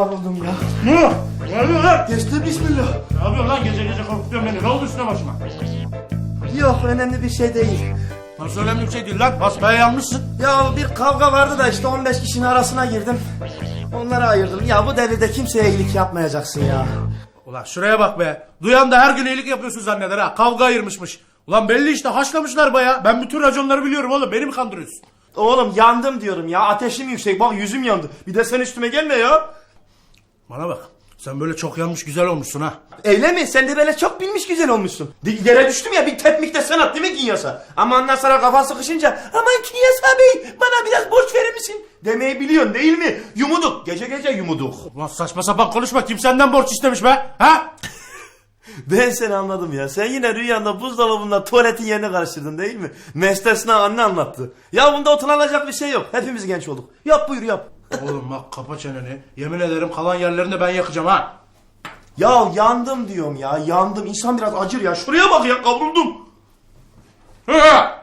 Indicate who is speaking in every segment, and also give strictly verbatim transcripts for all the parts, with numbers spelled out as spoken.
Speaker 1: kavruldum ya.
Speaker 2: Ne? Ne oluyor lan?
Speaker 1: Geçti bismillah.
Speaker 2: Ne yapıyorsun lan gece gece korkutuyorsun beni? Ne oldu üstüne başıma?
Speaker 1: Yok önemli bir şey değil.
Speaker 2: Nasıl önemli bir şey değil lan? Basmaya yanmışsın.
Speaker 1: Ya bir kavga vardı da işte on beş kişinin arasına girdim. Onları ayırdım. Ya bu devirde kimseye iyilik yapmayacaksın ya.
Speaker 2: Ulan şuraya bak be. Duyan da her gün iyilik yapıyorsun zanneder ha. Kavga ayırmışmış. Ulan belli işte haşlamışlar baya. Ben bütün raconları biliyorum oğlum. Beni mi kandırıyorsun?
Speaker 1: Oğlum yandım diyorum ya. Ateşim yüksek. Bak yüzüm yandı. Bir de sen üstüme gelme ya.
Speaker 2: Bana bak. Sen böyle çok yanmış güzel olmuşsun ha.
Speaker 1: Öyle mi? Sen de böyle çok bilmiş güzel olmuşsun. Di- Yere düştüm ya bir tepmikte sanat değil mi Kinyasa? Ama ondan sonra kafa sıkışınca aman Kinyasa Bey bana biraz borç verir misin? Demeyi biliyorsun değil mi? Yumuduk. Gece gece yumuduk.
Speaker 2: Ulan saçma sapan konuşma. Kim senden borç istemiş be? Ha?
Speaker 1: Ben seni anladım ya. Sen yine rüyanda buzdolabında tuvaletin yerini karıştırdın değil mi? Mestesna anne anlattı. Ya bunda utanılacak bir şey yok. Hepimiz genç olduk. Yap buyur yap.
Speaker 2: Oğlum bak kapa çeneni. Yemin ederim kalan yerlerini de ben yakacağım ha.
Speaker 1: Ya yandım diyorum ya. Yandım. İnsan biraz acır ya. Şuraya bak ya kavruldum.
Speaker 2: Hı!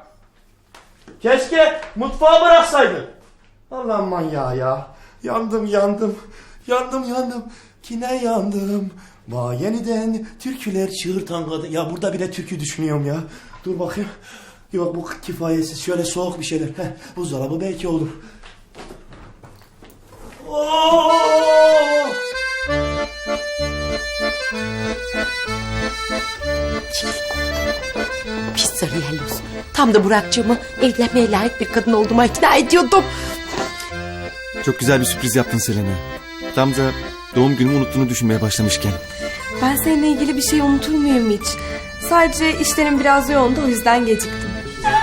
Speaker 1: Keşke mutfağa bıraksaydın. Allah'ım manyağı ya. Yandım yandım. Yandım yandım. Kine yandım. Va yeniden türküler çığırtan kadın. Ya burada bile türkü düşünüyorum ya. Dur bakayım. Yok bu kifayetsiz. Şöyle soğuk bir şeyler. Heh, buzdolabı belki olur. Oo!
Speaker 3: Pis sarı yelloz. Tam da Burak'cığımı evlenmeye layık bir kadın olduğuma ikna ediyordum.
Speaker 4: Çok güzel bir sürpriz yaptın Selena. Tam da doğum günümü unuttuğunu düşünmeye başlamışken.
Speaker 5: Ben seninle ilgili bir şey unutur muyum hiç? Sadece işlerim biraz yoğundu, o yüzden geciktim.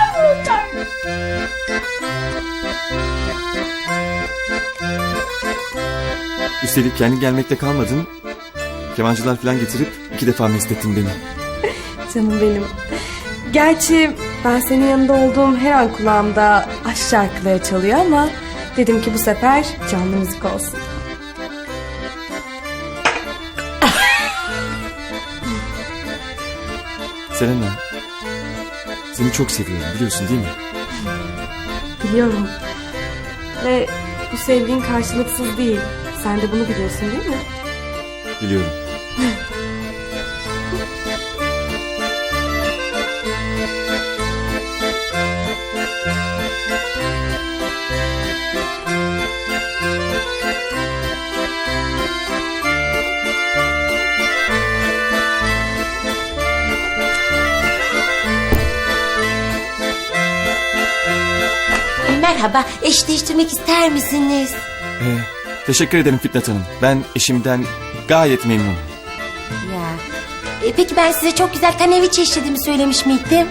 Speaker 4: Üstelik kendi gelmekte kalmadın. Kemancılar falan getirip iki defa meslettin beni.
Speaker 5: Canım benim. Gerçi ben senin yanında olduğum her an kulağımda aşk şarkıları çalıyor ama dedim ki bu sefer canlı müzik olsun.
Speaker 4: Selena, seni çok seviyorum biliyorsun değil mi?
Speaker 5: Biliyorum. Ve bu sevgin karşılıksız değil. Sen de bunu biliyorsun değil mi?
Speaker 4: Biliyorum.
Speaker 3: Merhaba, eş değiştirmek ister misiniz?
Speaker 4: Ee, teşekkür ederim Fitnat Hanım. Ben eşimden gayet memnunum.
Speaker 3: Ya. E, peki ben size çok güzel kanevi çeşitimi söylemiş miydim?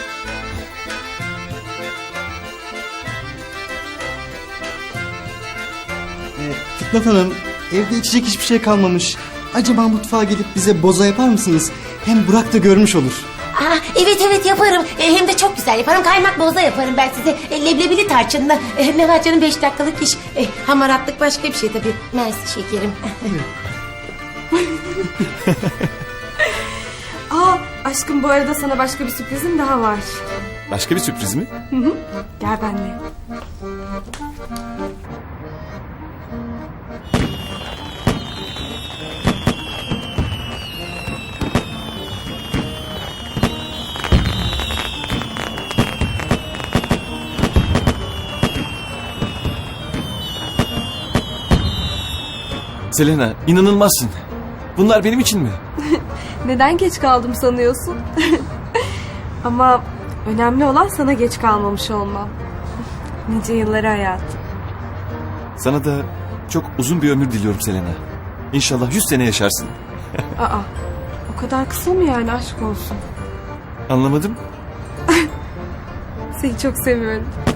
Speaker 6: Fitnat Hanım, evde içecek hiçbir şey kalmamış. Acaba mutfağa gelip bize boza yapar mısınız? Hem Burak da görmüş olur.
Speaker 3: Aa, evet evet yaparım. E, hem de çok güzel yaparım. Kaymak boza yaparım ben size. E, leblebili tarçınla. E, ne var canım beş dakikalık iş. E, hamaratlık başka bir şey tabii. Mersi şekerim.
Speaker 5: Aa, aşkım bu arada sana başka bir sürprizim daha var.
Speaker 4: Başka bir sürpriz mi?
Speaker 5: Gel benimle.
Speaker 4: Selena, inanılmazsın. Bunlar benim için mi?
Speaker 5: Neden geç kaldım sanıyorsun? Ama önemli olan sana geç kalmamış olmam. Nice yılları hayatım.
Speaker 4: Sana da çok uzun bir ömür diliyorum Selena. İnşallah yüz sene yaşarsın.
Speaker 5: Aa, o kadar kısa mı yani, aşk olsun.
Speaker 4: Anlamadım.
Speaker 5: Seni çok seviyorum.